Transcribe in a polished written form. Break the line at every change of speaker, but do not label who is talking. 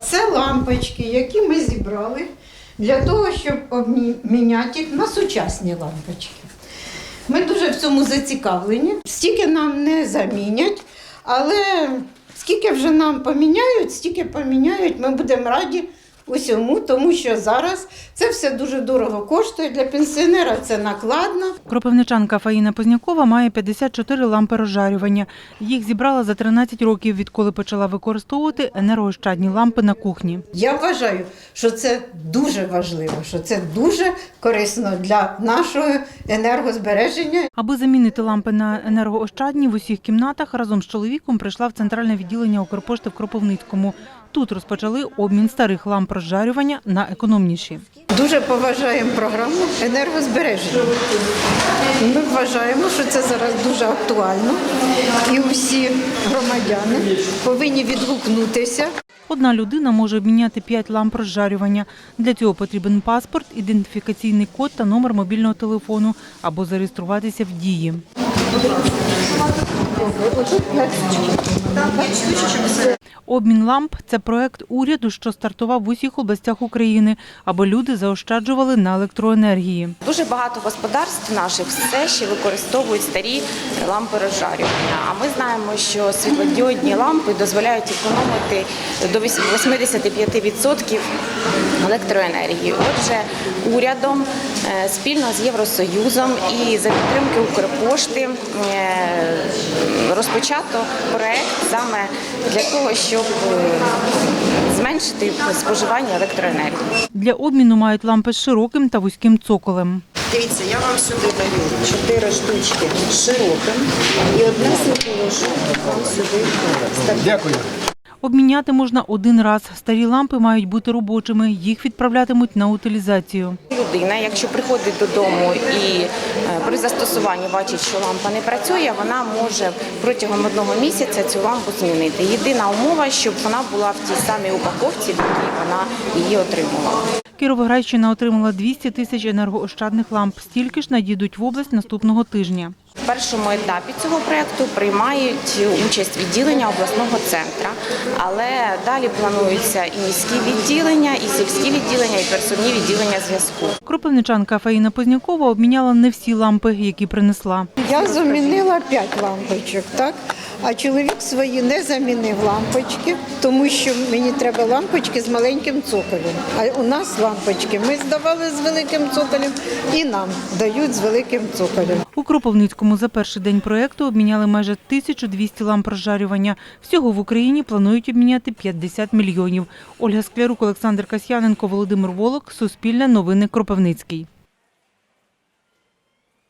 Це лампочки, які ми зібрали для того, щоб обміняти їх на сучасні лампочки. Ми дуже в цьому зацікавлені. Стільки нам не замінять, але скільки вже нам поміняють, стільки поміняють, ми будемо раді усьому, тому що зараз це все дуже дорого коштує, для пенсіонера це накладно.
Кропивничанка Фаїна Познякова має 54 лампи розжарювання. Їх зібрала за 13 років, відколи почала використовувати енергоощадні лампи на кухні.
Я вважаю, що це дуже важливо, що це дуже корисно для нашого енергозбереження.
Аби замінити лампи на енергоощадні в усіх кімнатах, разом з чоловіком прийшла в центральне відділення Укрпошти в Кропивницькому. Тут розпочали обмін старих ламп розжарювання на економніші.
Дуже поважаємо програму енергозбереження. Ми вважаємо, що це зараз дуже актуально і усі громадяни повинні відгукнутися.
Одна людина може обміняти 5 ламп розжарювання. Для цього потрібен паспорт, ідентифікаційний код та номер мобільного телефону або зареєструватися в Дії. Обмін ламп – це проект уряду, що стартував в усіх областях України, аби люди заощаджували на електроенергії.
Дуже багато господарств наших все ще використовують старі лампи розжарювання. А ми знаємо, що світлодіодні лампи дозволяють економити до 85% електроенергії. Отже, урядом спільно з Євросоюзом і за підтримки Укрпошти розпочато проект саме для того, щоб зменшити споживання електроенергії.
Для обміну мають лампи з широким та вузьким цоколем.
Дивіться, я вам сюди даю 4 штучки з широким і одне положу вам сюди.
Дякую.
Обміняти можна один раз. Старі лампи мають бути робочими, їх відправлятимуть на утилізацію.
Людина, якщо приходить додому і при застосуванні бачить, що лампа не працює, вона може протягом 1 місяця цю лампу змінити. Єдина умова, щоб вона була в тій самій упаковці, в якій вона її отримувала.
Кіровоградщина отримала 200 тисяч енергоощадних ламп. Стільки ж надійдуть в область наступного тижня.
В першому етапі цього проєкту приймають участь відділення обласного центру, але далі плануються і міські відділення, і сільські відділення, і пересувні відділення зв'язку.
Кропивничанка Фаїна Познякова обміняла не всі лампи, які принесла.
Я замінила 5 лампочок, так? А чоловік свої не замінив лампочки, тому що мені треба лампочки з маленьким цоколем. А у нас лампочки ми здавали з великим цоколем і нам дають з великим цоколем.
У Кропивницькому за перший день проєкту обміняли майже 1200 ламп розжарювання. Всього в Україні планують обміняти 50 мільйонів. Ольга Склярук, Олександр Касьяненко, Володимир Волок. Суспільне новини, Кропивницький.